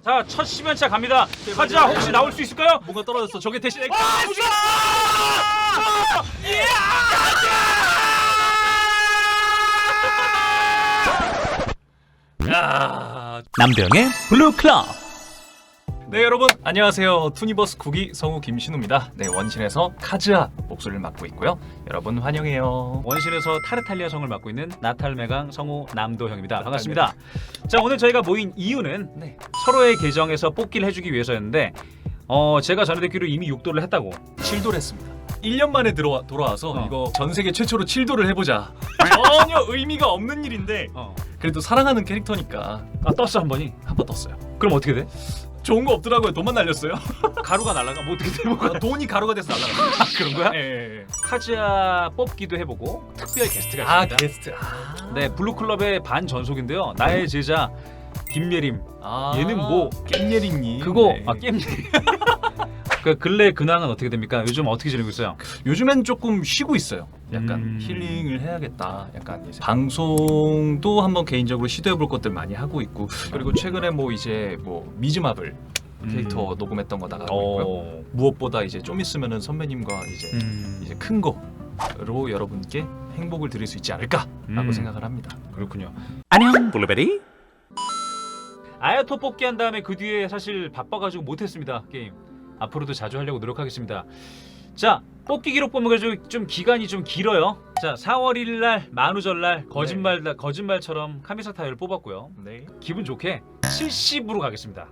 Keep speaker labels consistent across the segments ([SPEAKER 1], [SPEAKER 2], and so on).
[SPEAKER 1] 자, 첫 10연차 갑니다. 카즈아 혹시 나올 수 있을까요?
[SPEAKER 2] 뭔가 떨어졌어. 저게 대신 야.
[SPEAKER 1] 남병의 블루클럽.
[SPEAKER 2] 네, 여러분 안녕하세요. 투니버스 국기 성우 김신우입니다. 네, 원신에서 카즈아 목소리를 맡고 있고요. 여러분 환영해요.
[SPEAKER 1] 원신에서 타르탈리아 성을 맡고 있는 나탈메강 성우 남도형입니다. 반갑습니다. 자, 오늘 저희가 모인 이유는 서로의 계정에서 뽑기를 해주기 위해서였는데 제가 전에 듣기로 이미 6도를 했다고.
[SPEAKER 2] 7도를 했습니다. 1년 만에 돌아와서 이거 전 세계 최초로 7도를 해보자. 전혀 의미가 없는 일인데 그래도 사랑하는 캐릭터니까
[SPEAKER 1] 떴어 한 번이.
[SPEAKER 2] 한 번 떴어요.
[SPEAKER 1] 그럼 어떻게 돼?
[SPEAKER 2] 좋은 거 없더라고요. 돈만 날렸어요.
[SPEAKER 1] 가루가 날아가? 뭐 어떻게 돼? 뭐가
[SPEAKER 2] 돈이 가루가 돼서 날아가.
[SPEAKER 1] 그런 거야?
[SPEAKER 2] 예.
[SPEAKER 1] 카즈아 뽑기도 해보고 특별 게스트가 있습니다.
[SPEAKER 2] 게스트.
[SPEAKER 1] 네, 블루클럽의 반전속인데요. 나의 제자 김예림. 얘는 뭐
[SPEAKER 2] 깸예림님.
[SPEAKER 1] 그거
[SPEAKER 2] 네.
[SPEAKER 1] 깸예림. 그 근래 근황은 어떻게 됩니까? 요즘 어떻게 지내고 있어요?
[SPEAKER 2] 요즘엔 조금 쉬고 있어요. 약간 힐링을 해야겠다. 약간 이제 방송도 한번 개인적으로 시도해볼 것들 많이 하고 있고, 그리고 최근에 뭐 이제 뭐 미즈마블 캐릭터 녹음했던 거 나가고 있고요. 무엇보다 이제 좀 있으면은 선배님과 이제 큰 거로 여러분께 행복을 드릴 수 있지 않을까라고 생각을 합니다.
[SPEAKER 1] 그렇군요. 안녕 블루베리. 아야토 뽑기 한 다음에 그 뒤에 사실 바빠가지고 못했습니다. 게임. 앞으로도 자주 하려고 노력하겠습니다. 자, 뽑기 기록 보면 그래도 좀 기간이 좀 길어요. 자, 4월 1일날 만우절날 거짓말처럼 카미사 타이어를 뽑았고요.
[SPEAKER 2] 네.
[SPEAKER 1] 기분 좋게 70으로 가겠습니다.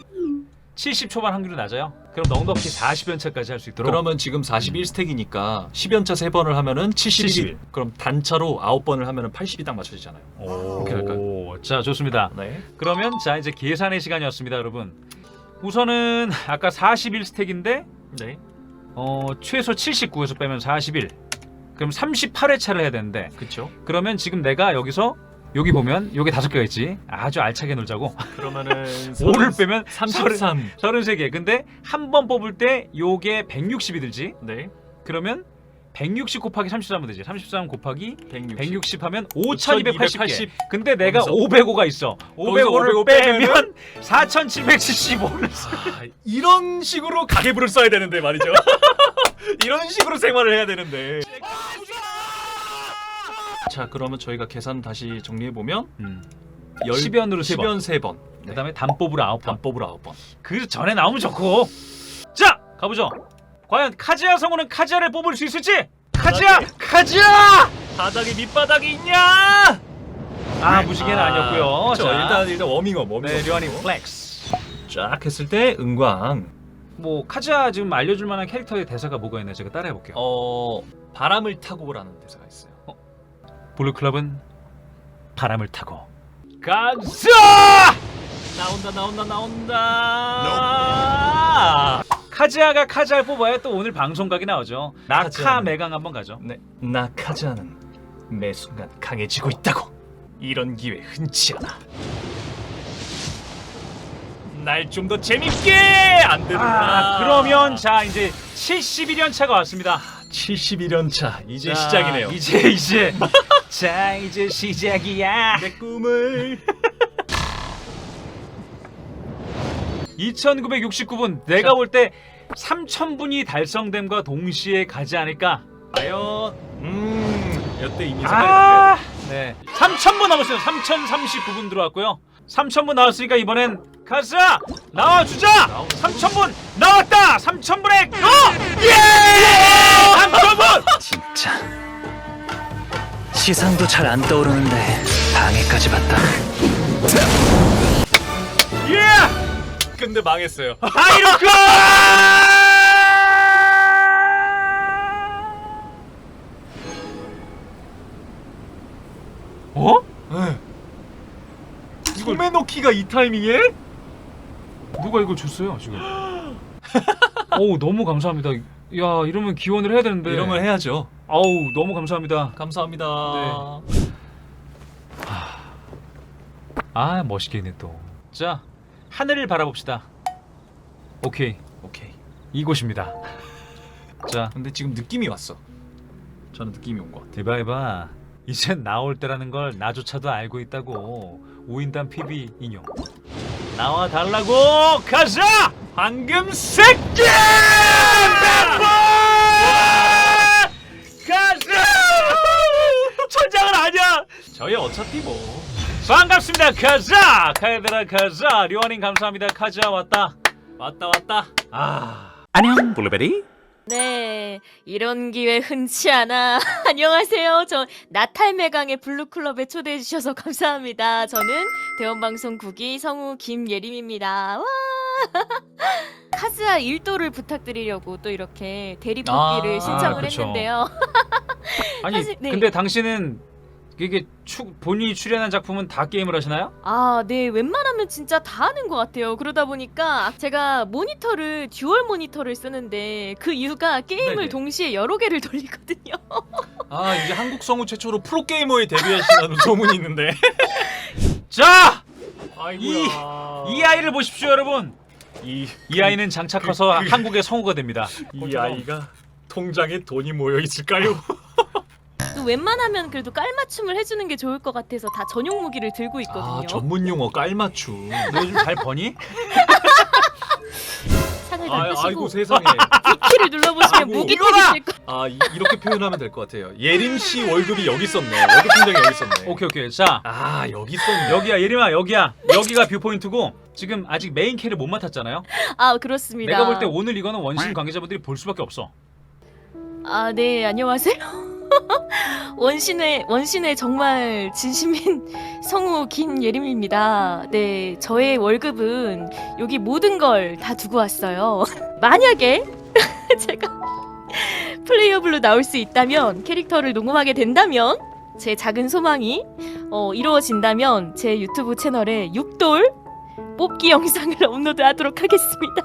[SPEAKER 1] 70 초반 확률이 낮아요. 그럼 넉넉히 40연차까지 할 수 있도록.
[SPEAKER 2] 그러면 지금 41스택이니까 10연차 3번을 하면은 71. 그럼 단차로 9번을 하면은 80이 딱 맞춰지잖아요. 그렇게 할까요?
[SPEAKER 1] 자, 좋습니다.
[SPEAKER 2] 네.
[SPEAKER 1] 그러면 자, 이제 계산의 시간이었습니다, 여러분. 우선은 아까 41스택인데
[SPEAKER 2] 네.
[SPEAKER 1] 최소 79에서 빼면 41. 그럼 38회차를 해야 되는데.
[SPEAKER 2] 그렇죠.
[SPEAKER 1] 그러면 지금 내가 여기서 여기 보면 여기 5개가 있지. 아주 알차게 놀자고.
[SPEAKER 2] 그러면은
[SPEAKER 1] 5를 빼면
[SPEAKER 2] 33.
[SPEAKER 1] 33개. 근데 한 번 뽑을 때 요게 160이 들지.
[SPEAKER 2] 네.
[SPEAKER 1] 그러면 160 곱하기 33은 되지. 33 곱하기
[SPEAKER 2] 160.
[SPEAKER 1] 160 하면 5280개.
[SPEAKER 2] 5280.
[SPEAKER 1] 근데 내가 505가 있어. 505를 빼면 4775를
[SPEAKER 2] 이런 식으로 가계부를 써야 되는데 말이죠. 이런 식으로 생활을 해야 되는데. 자, 그러면 저희가 계산 다시 정리해 보면
[SPEAKER 1] 10연으로 3번.
[SPEAKER 2] 10연 3번.
[SPEAKER 1] 그다음에 단법으로 9번.
[SPEAKER 2] 단법으로 9번.
[SPEAKER 1] 그 전에 나오면 좋고. 자, 가보죠. 과연 카즈아 성우는 카즈아를 뽑을 수 있을지? 카즈아!
[SPEAKER 2] 바닥에 밑바닥이 있냐?
[SPEAKER 1] 무지개는 아니었고요.
[SPEAKER 2] 자, 일단 워밍업.
[SPEAKER 1] 네, 류한이 플렉스.
[SPEAKER 2] 쫙 했을 때 은광.
[SPEAKER 1] 뭐 카즈아 지금 알려줄 만한 캐릭터의 대사가 뭐가 있나 제가 따라해 볼게요.
[SPEAKER 2] 바람을 타고라는 대사가 있어요.
[SPEAKER 1] 블루클럽은 바람을 타고 가자!
[SPEAKER 2] 나온다.
[SPEAKER 1] 카즈아가 카즈아를 뽑아야 또 오늘 방송각이 나오죠. 나카
[SPEAKER 2] 카즈아는-
[SPEAKER 1] 메강 한번 가죠.
[SPEAKER 2] 네, 나 카즈아는 매 순간 강해지고 있다고. 이런 기회 흔치 않아. 날 좀 더 재밌게 안 되나?
[SPEAKER 1] 그러면 자 이제 71연 차가 왔습니다.
[SPEAKER 2] 71연 차 이제
[SPEAKER 1] 자,
[SPEAKER 2] 시작이네요.
[SPEAKER 1] 이제 자 이제 시작이야.
[SPEAKER 2] 내 꿈을
[SPEAKER 1] 2969분 내가 볼 때 3000분이 달성됨과 동시에 가지 않을까.
[SPEAKER 2] 과연 여태 이미 생각했는데.
[SPEAKER 1] 네. 3000분 남았어요. 3039분 들어왔고요. 3000분 나왔으니까 이번엔 카즈아 나와주자. 3000분 나왔다. 3000분의 예! 3000분.
[SPEAKER 3] 진짜 시상도 잘 안 떠오르는데 방해까지 받다.
[SPEAKER 1] 예!
[SPEAKER 2] 근데 망했어요.
[SPEAKER 1] 하이로크!
[SPEAKER 2] 네. 소메노키가 이 타이밍에?
[SPEAKER 1] 누가 이걸 줬어요 지금? 어우 너무 감사합니다. 야 이러면 기원을 해야 되는데.
[SPEAKER 2] 이런 걸 해야죠.
[SPEAKER 1] 아우 너무 감사합니다.
[SPEAKER 2] 감사합니다.
[SPEAKER 1] 멋있게 있네 또. 자 하늘을 바라봅시다. 오케이 이곳입니다. 자
[SPEAKER 2] 근데 지금 느낌이 왔어. 저는 느낌이 온 것 같아.
[SPEAKER 1] 대바해봐. 이젠 나올 때라는 걸 나조차도 알고 있다고. 5인단 PB 인용. 나와 달라고. 가자. 황금 새끼. 가자. 천장은 아니야. 저희 어차피 뭐. 반갑습니다. 가자. 카에드라 가자. 류원님 감사합니다. 가자 왔다. 왔다. 안녕 블루베리.
[SPEAKER 4] 네, 이런 기회 흔치 않아. 안녕하세요. 저 나탈매강의 블루클럽에 초대해 주셔서 감사합니다. 저는 대원방송 국기 성우 김예림입니다. 와! 카즈아 1도를 부탁드리려고 또 이렇게 대리뽑기를 신청을
[SPEAKER 1] 그쵸.
[SPEAKER 4] 했는데요.
[SPEAKER 1] 아니
[SPEAKER 4] 사실, 네.
[SPEAKER 1] 근데 당신은 이게 본인이 출연한 작품은 다 게임을 하시나요?
[SPEAKER 4] 아, 네, 웬만하면 진짜 다 하는 것 같아요. 그러다 보니까 제가 모니터를 듀얼 모니터를 쓰는데 그 이유가 게임을
[SPEAKER 2] 네네.
[SPEAKER 4] 동시에 여러 개를 돌리거든요.
[SPEAKER 2] 아 이제 한국 성우 최초로 프로게이머에 데뷔하신다는 소문이 있는데.
[SPEAKER 1] 자!
[SPEAKER 2] 아이고야.
[SPEAKER 1] 이 아이를 보십시오 여러분.
[SPEAKER 2] 이
[SPEAKER 1] 아이는 장차 커서 한국의 성우가 됩니다.
[SPEAKER 2] 아이가 통장에 돈이 모여 있을까요?
[SPEAKER 4] 또 웬만하면 그래도 깔맞춤을 해주는 게 좋을 것 같아서 다 전용 무기를 들고 있거든요.
[SPEAKER 2] 아 전문 용어 깔맞춤.
[SPEAKER 1] 너 요즘 잘 버니?
[SPEAKER 4] 상을 다 끄시고
[SPEAKER 2] 아이고 세상에.
[SPEAKER 4] B키를 눌러보시면
[SPEAKER 2] 아이고,
[SPEAKER 4] 무기
[SPEAKER 1] 이거다!
[SPEAKER 4] 탭이 뜰 거.
[SPEAKER 2] 이렇게 표현하면 될 것 같아요. 예림 씨 월급이 여기 있었네. 월급 통장이 여기 있었네.
[SPEAKER 1] 오케이. 자,
[SPEAKER 2] 여기 있었네.
[SPEAKER 1] 여기야 예림아 여기야. 여기가 뷰포인트고 지금 아직 메인 캐를 못 맡았잖아요.
[SPEAKER 4] 아, 그렇습니다.
[SPEAKER 1] 내가 볼 때 오늘 이거는 원신 관계자분들이 볼 수밖에 없어.
[SPEAKER 4] 아, 네, 안녕하세요. 원신의 정말 진심인 성우 김예림입니다. 네, 저의 월급은 여기 모든 걸 다 두고 왔어요. 만약에 제가 플레이어블로 나올 수 있다면, 캐릭터를 녹음하게 된다면, 제 작은 소망이 이루어진다면 제 유튜브 채널에 6돌 뽑기 영상을 업로드하도록 하겠습니다.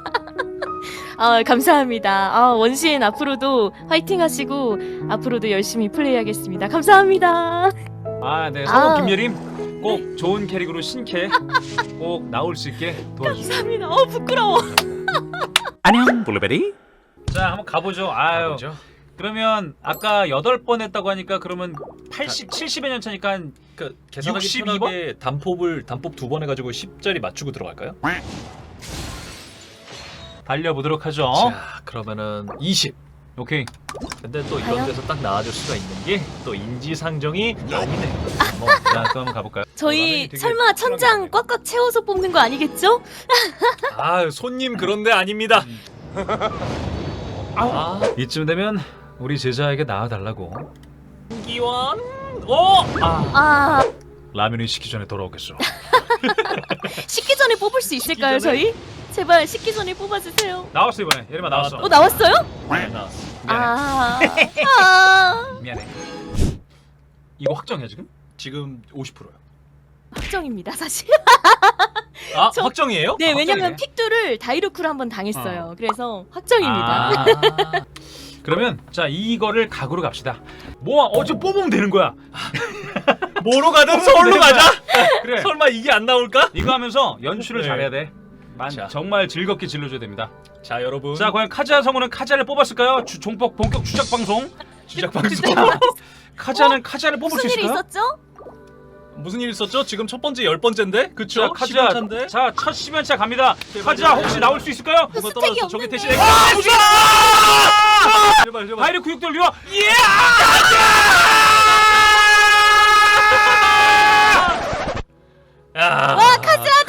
[SPEAKER 4] 감사합니다. 원신 앞으로도 화이팅 하시고 앞으로도 열심히 플레이하겠습니다. 감사합니다.
[SPEAKER 1] 네 성우 김예림 꼭 좋은 캐릭으로 신캐 꼭 나올 수 있게 도와주세요.
[SPEAKER 4] 감사합니다. 부끄러워.
[SPEAKER 1] 안녕 블루베리. 자 한번 가보죠.
[SPEAKER 2] 가보죠.
[SPEAKER 1] 그러면 아까 8번 했다고 하니까 그러면 80, 70의 년 차니까
[SPEAKER 2] 그러니까 계산하기
[SPEAKER 1] 62번?
[SPEAKER 2] 편하게 단법 2번 해가지고 10짜리 맞추고 들어갈까요?
[SPEAKER 1] 달려보도록 하죠.
[SPEAKER 2] 자 그러면은 20.
[SPEAKER 1] 오케이.
[SPEAKER 2] 근데 또
[SPEAKER 4] 과연?
[SPEAKER 2] 이런 데서 딱 나와줄 수가 있는 게 또 인지상정이 아니네.
[SPEAKER 1] 자, 또 한번 가볼까요?
[SPEAKER 4] 저희
[SPEAKER 1] 되게
[SPEAKER 4] 설마 천장
[SPEAKER 1] 특별하게
[SPEAKER 4] 꽉꽉 채워서 뽑는 거 아니겠죠?
[SPEAKER 2] 손님 그런데 아닙니다.
[SPEAKER 1] 이쯤 되면 우리 제자에게 나와달라고.
[SPEAKER 2] 기원.
[SPEAKER 1] 라면이 식기 전에 돌아오겠어.
[SPEAKER 4] 식기 전에 뽑을 수 있을까요,
[SPEAKER 2] 전에?
[SPEAKER 4] 저희? 제발 식기 전에 뽑아주세요.
[SPEAKER 1] 나왔어 이번에. 예림아 나왔어.
[SPEAKER 4] 나왔어요?
[SPEAKER 2] 네, 나왔어.
[SPEAKER 1] 미안해. 이거 확정이야 지금?
[SPEAKER 2] 지금 50%요.
[SPEAKER 4] 확정입니다, 사실. 저-
[SPEAKER 2] 확정이에요?
[SPEAKER 4] 네, 왜냐면
[SPEAKER 1] 확정이네.
[SPEAKER 4] 픽두를 다이루크로 한번 당했어요. 그래서 확정입니다.
[SPEAKER 1] 그러면 자 이거를 각으로 갑시다. 어제 뽑으면 되는 거야.
[SPEAKER 2] 뭐로 가든 서울로 가자.
[SPEAKER 1] 그래.
[SPEAKER 2] 설마 이게 안 나올까?
[SPEAKER 1] 이거 하면서 연출을
[SPEAKER 2] 네.
[SPEAKER 1] 잘해야 돼.
[SPEAKER 2] 자.
[SPEAKER 1] 정말 즐겁게 질러줘야 됩니다.
[SPEAKER 2] 자 여러분.
[SPEAKER 1] 자 과연 카즈아 성우는 카즈아를 뽑았을까요? 본격 주작 방송.
[SPEAKER 2] 시작 방송.
[SPEAKER 1] 카즈아는 카즈아를 뽑을 수
[SPEAKER 4] 무슨 일이
[SPEAKER 1] 있을까요?
[SPEAKER 4] 있었죠?
[SPEAKER 2] 무슨 일 있었죠? 지금 첫 번째 10번째인데? 그쵸?
[SPEAKER 1] 자 카즈아
[SPEAKER 2] 10연차인데?
[SPEAKER 1] 자첫 10연차 갑니다. 카즈아 혹시 나올 수 있을까요?
[SPEAKER 2] 뭐가
[SPEAKER 4] 스택이
[SPEAKER 2] 떨어졌어. 저게
[SPEAKER 4] 없는데.
[SPEAKER 2] 대신에 제발.
[SPEAKER 1] 바이르 구육돌 리와
[SPEAKER 4] 와, 카즈아다!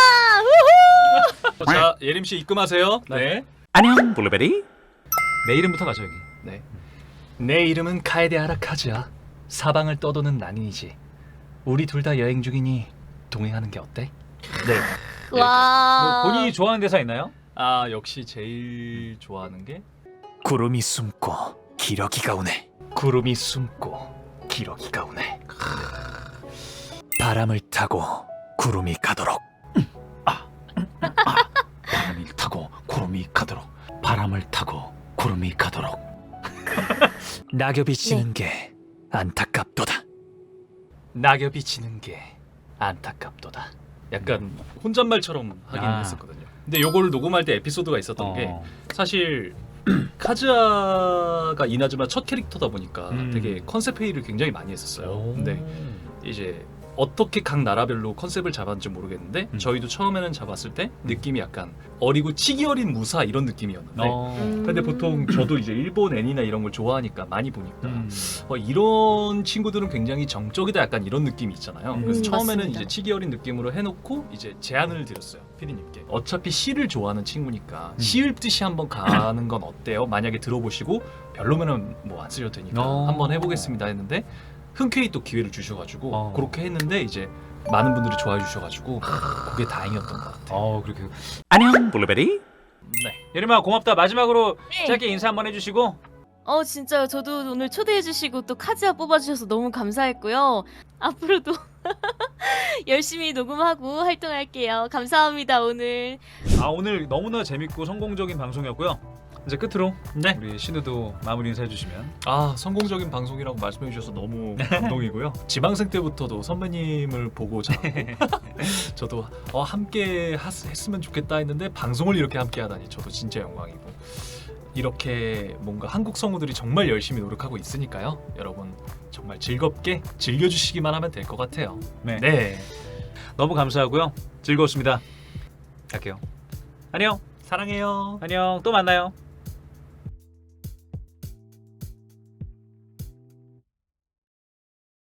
[SPEAKER 4] 우후!
[SPEAKER 2] 자 예림 씨 입금하세요. 네.
[SPEAKER 1] 안녕 블루베리. 내 이름부터 가죠 여기.
[SPEAKER 2] 네. 내 이름은 카에데아라 카즈아. 사방을 떠도는 난인이지. 우리 둘 다 여행 중이니 동행하는 게 어때? 네.
[SPEAKER 4] 와.
[SPEAKER 1] 본인이 좋아하는 대사 있나요?
[SPEAKER 2] 역시 제일 좋아하는 게
[SPEAKER 3] 구름이 숨고 기러기가 오네.
[SPEAKER 2] 구름이 숨고 기러기가 오네.
[SPEAKER 3] 바람을 타고 구름이 가도록.
[SPEAKER 1] 바람을 타고 구름이 가도록. 바람을 타고 구름이 가도록.
[SPEAKER 3] 낙엽이 지는 게 안타깝도다.
[SPEAKER 2] 낙엽이 지는 게 안타깝도다. 약간 혼잣말처럼 하긴 했었거든요. 근데 요걸 녹음할 때 에피소드가 있었던 게 사실 카즈아가 이나즈마 첫 캐릭터다 보니까 되게 컨셉 회의를 굉장히 많이 했었어요. 근데 이제 어떻게 각 나라별로 컨셉을 잡았는지 모르겠는데 저희도 처음에는 잡았을 때 느낌이 약간 어리고 치기 어린 무사 이런 느낌이었는데 근데 보통 저도 이제 일본 애니나 이런 걸 좋아하니까 많이 보니까 이런 친구들은 굉장히 정적이다 약간 이런 느낌이 있잖아요. 그래서 처음에는
[SPEAKER 4] 맞습니다.
[SPEAKER 2] 이제 치기 어린 느낌으로 해놓고 이제 제안을 드렸어요 피디님께. 어차피 시를 좋아하는 친구니까 시 읊듯이 한번 가는 건 어때요? 만약에 들어보시고 별로면은 뭐 안 쓰셔도 되니까 한번 해보겠습니다 했는데 흔쾌히 또 기회를 주셔가지고 그렇게 했는데 이제 많은 분들이 좋아해 주셔가지고 그게 다행이었던 것 같아요.
[SPEAKER 1] 그렇게. 안녕 블루베리.
[SPEAKER 2] 네.
[SPEAKER 1] 예림아 고맙다. 마지막으로
[SPEAKER 4] 네.
[SPEAKER 1] 짧게 인사 한번 해주시고.
[SPEAKER 4] 진짜 저도 오늘 초대해주시고 또 카즈아 뽑아주셔서 너무 감사했고요. 앞으로도 열심히 녹음하고 활동할게요. 감사합니다 오늘.
[SPEAKER 1] 오늘 너무나 재밌고 성공적인 방송이었고요. 이제 끝으로
[SPEAKER 2] 네.
[SPEAKER 1] 우리 신우도 마무리 인사해 주시면.
[SPEAKER 2] 성공적인 방송이라고 말씀해 주셔서 너무 감동이고요. 지방생 때부터도 선배님을 보고 자랐고 저도 함께 했으면 좋겠다 했는데 방송을 이렇게 함께 하다니 저도 진짜 영광이고 이렇게 뭔가 한국 성우들이 정말 열심히 노력하고 있으니까요. 여러분 정말 즐겁게 즐겨주시기만 하면 될 것 같아요.
[SPEAKER 1] 네. 너무 감사하고요. 즐거웠습니다. 갈게요. 안녕.
[SPEAKER 2] 사랑해요.
[SPEAKER 1] 안녕. 또 만나요.